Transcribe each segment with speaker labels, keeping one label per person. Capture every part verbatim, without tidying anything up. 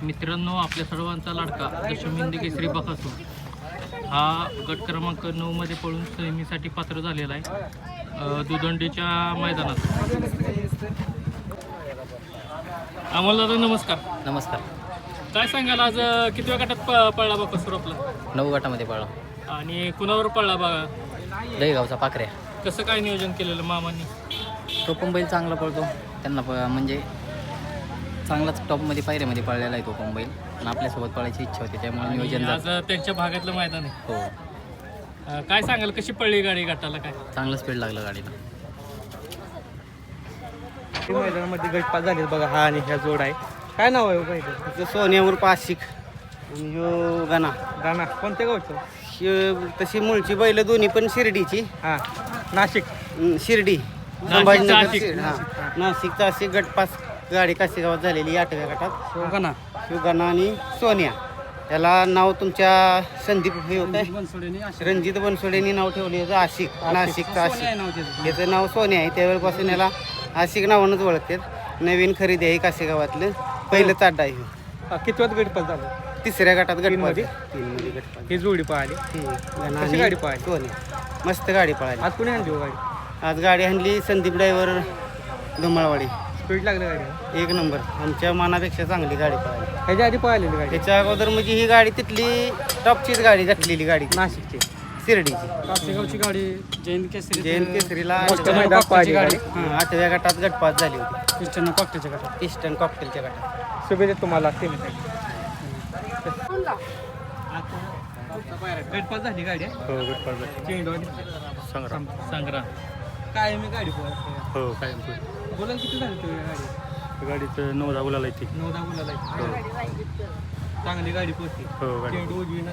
Speaker 1: मित्रांनो, आपल्या सर्वांचा लाडका दशमिंदी केसरी बकासूर हा गट क्रमांक नऊ मध्ये पळून सेमीसाठी पात्र झालेला आहे दुदंडीच्या मैदानात. अमोल दादा नमस्कार.
Speaker 2: नमस्कार.
Speaker 1: काय सांगाल, आज कितव्या गटात प पळला बकासूर आपला?
Speaker 2: नऊ गटामध्ये पळला.
Speaker 1: आणि कुणावर पळला बघा?
Speaker 2: दहीगावचा पाखऱ्या.
Speaker 1: कसं काय नियोजन केलेलं मामांनी?
Speaker 2: तो पण बैल चांगला पळतो, त्यांना प म्हणजे चांगलाच टॉपमध्ये पायऱ्यामध्ये पळलेला आहे तो पण बैल, आणि आपल्यासोबत पळायची इच्छा होती त्यामुळे नियोजन
Speaker 1: आज त्यांच्या भागातलं मैदान आहे.
Speaker 2: हो.
Speaker 1: अ, काय सांगाल, कशी पडली गाडी गटाला? काय
Speaker 2: चांगलं स्पीड लागलं गाडीला.
Speaker 3: मैदानामध्ये गटपास झाले बघा, हा आणि ह्या जोड आहे. काय नाव आहे पाहिजे?
Speaker 4: सोन्यावर पाशिक ह्यो गाणा
Speaker 3: गाणा कोणत्या गावचं?
Speaker 4: ह्यो तशी मूळची बैल दोन्ही पण शिर्डीची.
Speaker 3: हां, नाशिक.
Speaker 4: अं, शिर्डी संभाजीनगर. शिर- हां, नाशिकचा अशी गटपास गाडी कासेगावात झालेली आठव्या गटात.
Speaker 3: गाणा
Speaker 4: शिवगाणा आणि सोन्या, त्याला नाव तुमच्या संदीप हे होत आहे, रणजित बनसोडेनी नाव ठेवले होतं आशिक. नाशिकचा आशिक, याचं नाव सोन्या आहे. त्यावेळेपासून याला आशिक नावानंच ओळखतात. नवीन खरेदी आहे कासेगावातलं, पहिलं ताड्डा आहे ह्यो.
Speaker 3: कितव्यात गटपास झालं?
Speaker 4: तिसऱ्या गटात गटपास.
Speaker 3: मध्ये?
Speaker 4: तीन मध्ये गटपास.
Speaker 3: ही जोडी पाहिली. कशी गाडी पाहिली?
Speaker 4: सोन्या मस्त गाडी पळाली.
Speaker 3: आज कुणी आणली हो गाडी?
Speaker 4: आज गाडी आणली संदीप ड्रायव्हर धुमाळवाडी.
Speaker 3: स्पीड लागली गाडी?
Speaker 4: एक नंबर, आमच्या मनापेक्षा चांगली गाडी पळाली.
Speaker 3: ह्याच्या आधी पळालेली गाडी?
Speaker 4: त्याच्या अगोदर म्हणजे ही गाडी तिथली टॉपचीच गाडी घातलेली गाडी,
Speaker 3: नाशिकची
Speaker 4: शिर्डीची.
Speaker 3: कासेगावची गाडी जैन केसरी.
Speaker 4: जैन केसरीला
Speaker 3: मोठ्या मैदानात पाहिली गाडी.
Speaker 4: हां, आठव्या गटात गटपास झाली होती,
Speaker 3: ईस्टर्न कॉकटेलच्या गटात.
Speaker 4: ईस्टर्न कॉकटेलच्या गटात.
Speaker 3: शुभेच्छा तुम्हाला. गटपास झाली गाडी?
Speaker 5: हो, गटपास झाली.
Speaker 3: चेंडू
Speaker 5: संग्राम.
Speaker 1: संग्राम.
Speaker 3: काय मी गाडी पळत
Speaker 5: हो, काय
Speaker 3: बोला किती झाली तुम्ही गाडी?
Speaker 5: गाडीचं नऊ दहा बोलायला येते.
Speaker 3: नऊ दहा मुलाला चांगली गाडी पोहोचली.
Speaker 5: हो, गाडी
Speaker 3: चेंडू उजवीन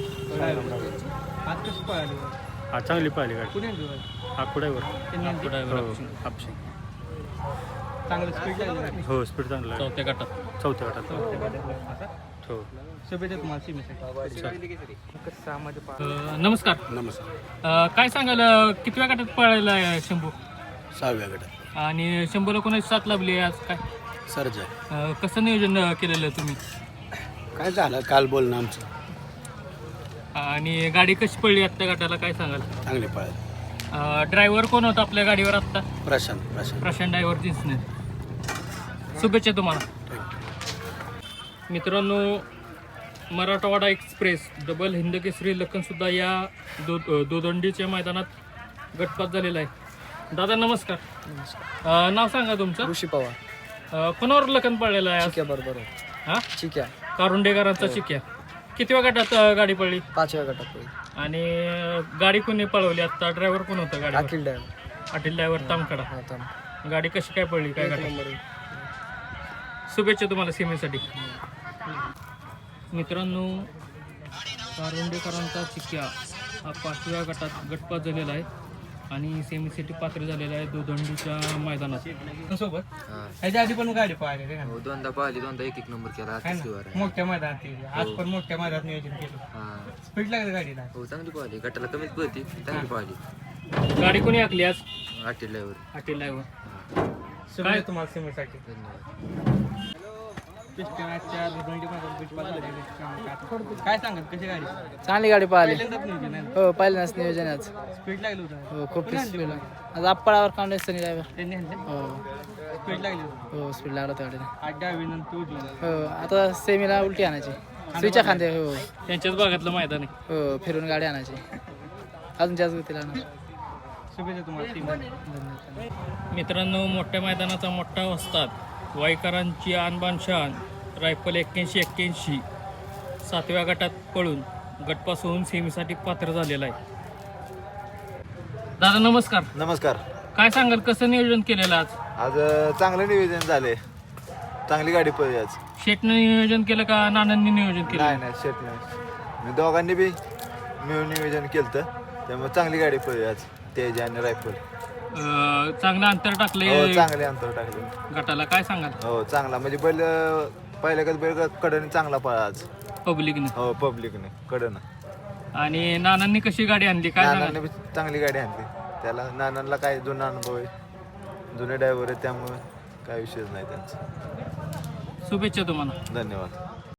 Speaker 3: आज कशी पळाली?
Speaker 5: हा, चांगली पाहिली गाडी.
Speaker 3: कुणी आणली गाडी?
Speaker 5: आकुडावर.
Speaker 3: त्यांनी आणली?
Speaker 5: हो, हापशी.
Speaker 3: चांगलं स्पीड लागली गाडी.
Speaker 5: हो, स्पीड चांगलं आहे.
Speaker 1: चौथ्या गटात.
Speaker 5: चौथ्या गटात.
Speaker 3: चौथ्या गाडीला असं?
Speaker 5: हो.
Speaker 3: शुभेच्छा तुम्हाला सीमेसाठी. सहामध्ये
Speaker 1: अ,
Speaker 3: पळा.
Speaker 1: नमस्कार.
Speaker 5: नमस्कार.
Speaker 1: अ, काय सांगाल, अ, कितव्या गटात पळायला आहे शंभू?
Speaker 5: सहाव्या गटात.
Speaker 1: आणि शंभूला कोणाची साथ लाभली आज? काय
Speaker 5: सरजा.
Speaker 1: अ, कसं नियोजन अ, केलेलं तुम्ही?
Speaker 5: काय झालं काल बोलणं आमचं?
Speaker 1: आणि गाडी कशी पडली आत्ता गटाला, काय सांगाल?
Speaker 5: चांगली पाहिली.
Speaker 1: ड्रायव्हर कोण होता आपल्या गाडीवर आत्ता?
Speaker 5: प्रशांत. प्रशांत.
Speaker 1: प्रशांत ड्रायव्हर दिसणे. शुभेच्छा तुम्हाला. मित्रांनो, मराठवाडा एक्सप्रेस डबल हिंद केसरी लखनसुद्धा या दो दोदंडीच्या मैदानात गटपात झालेला आहे. दादा नमस्कार. अ, नाव सांगा तुमचं?
Speaker 3: ऋषी पवार.
Speaker 1: अ, कोणावर लखन पडलेला आहे आज?
Speaker 3: बरोबर.
Speaker 1: हा,
Speaker 3: ठीक आहे.
Speaker 1: कारुंडेकरांचा चिक्या. कितव्या गटात अ, गाडी पडली?
Speaker 3: पाचव्या गटात.
Speaker 1: आणि अ, गाडी कोणी पळवली आत्ता? ड्रायव्हर कोण होता गाडी?
Speaker 3: अखिल ड्रायव्हर.
Speaker 1: अटील ड्रायव्हर तामकडा. गाडी कशी काय पडली, काय गटात? शुभेच्छा तुम्हाला सीमेसाठी. मित्रांनो, कारुंडेकरांचा चिक्या हा पाचव्या गटात गटपात झालेला आहे आणि सेमीसाठी पात्र झालेला आहे दोदंडीच्या मैदानात.
Speaker 3: सोबत ह्याच्या आधी पण गाडी पाहिली
Speaker 6: हो, दोनदा पाहिली, दोनदा एक एक नंबर केला. आता शिवार आहे.
Speaker 3: मोठ्या मैदानात केली. आज पण मोठ्या मैदानात नियोजन केलं.
Speaker 6: हा,
Speaker 3: स्पीड लागली गाडीला.
Speaker 6: हो, चांगली पाहिली. गटाला कमीच पळती, चांगली पाहिली.
Speaker 1: गाडी कोणी आखली आज?
Speaker 6: आठ ड्रायव्हर.
Speaker 1: अटील ड्रायव्हर.
Speaker 3: शुभेच्छा तुम्हाला सीमेसाठी.
Speaker 6: धन्यवाद.
Speaker 3: काय सांगत कशी गाडी?
Speaker 2: चांगली गाडी पळाली.
Speaker 3: पहिल्यांदाच नियोजन आहे.
Speaker 2: हो, पहिल्यांदाच नियोजन आहे आज.
Speaker 3: स्पीड लागली होतं.
Speaker 2: हो, खूप स्पीड. आज आपळावर कांडेसनी ड्रायव्हर.
Speaker 3: त्यांनी आणले.
Speaker 2: हो.
Speaker 3: स्पीड लागली होती.
Speaker 2: हो, स्पीड लागला त्या गाडीला.
Speaker 3: आज डावी नंतर उजवी.
Speaker 2: हो, आता सेमीला उलटी आणायची, स्विचा खांदे. हो
Speaker 1: त्यांच्याच भागातलं मैदान आहे.
Speaker 2: हो, फिरून गाडी आणायची, अजून जास्त गतीला आणा.
Speaker 3: शुभेच्छा तुम्हाला टीमला.
Speaker 1: मित्रांनो, मोठ्या मैदानाचा मोठा वस्ताद वाईकरांची आणबान शान रायफल एक्क्याऐंशी एक्क्याऐंशी सातव्या गटात पळून गटपास होऊन सेमीसाठी पात्र झालेला आहे. दादा नमस्कार.
Speaker 7: नमस्कार.
Speaker 1: काय सांगाल, कसं नियोजन केलेलं आज?
Speaker 7: आज अ, चांगलं नियोजन झाले, चांगली गाडी पळली आज.
Speaker 1: शेटनं नियोजन केलं का नानांनी नियोजन केलं?
Speaker 7: नाही नाही शेट नाही, मी दोघांनी बी मिळून नियोजन केलं, त्यामुळे चांगली गाडी पळली आज. तेज आणि रायफल
Speaker 1: अं, चांगलं अंतर टाकले
Speaker 7: हो, चांगले अंतर टाकले
Speaker 1: गटाला, काय सांगाल?
Speaker 7: हो, चांगला म्हणजे बैल अ, पहिल्या कधी बैल कडनं चांगला पळा आज.
Speaker 1: पब्लिकने.
Speaker 7: हो, पब्लिकने कडनं.
Speaker 1: आणि नानांनी कशी गाडी आणली, काय
Speaker 7: नानांनी
Speaker 1: सांगाल?
Speaker 7: बी चांगली गाडी आणली. त्याला नानांना काय जुना अनुभव आहे, जुने ड्रायव्हर आहे, त्यामुळे काय विषयच नाही त्यांचा.
Speaker 1: शुभेच्छा तुम्हाला.
Speaker 7: धन्यवाद.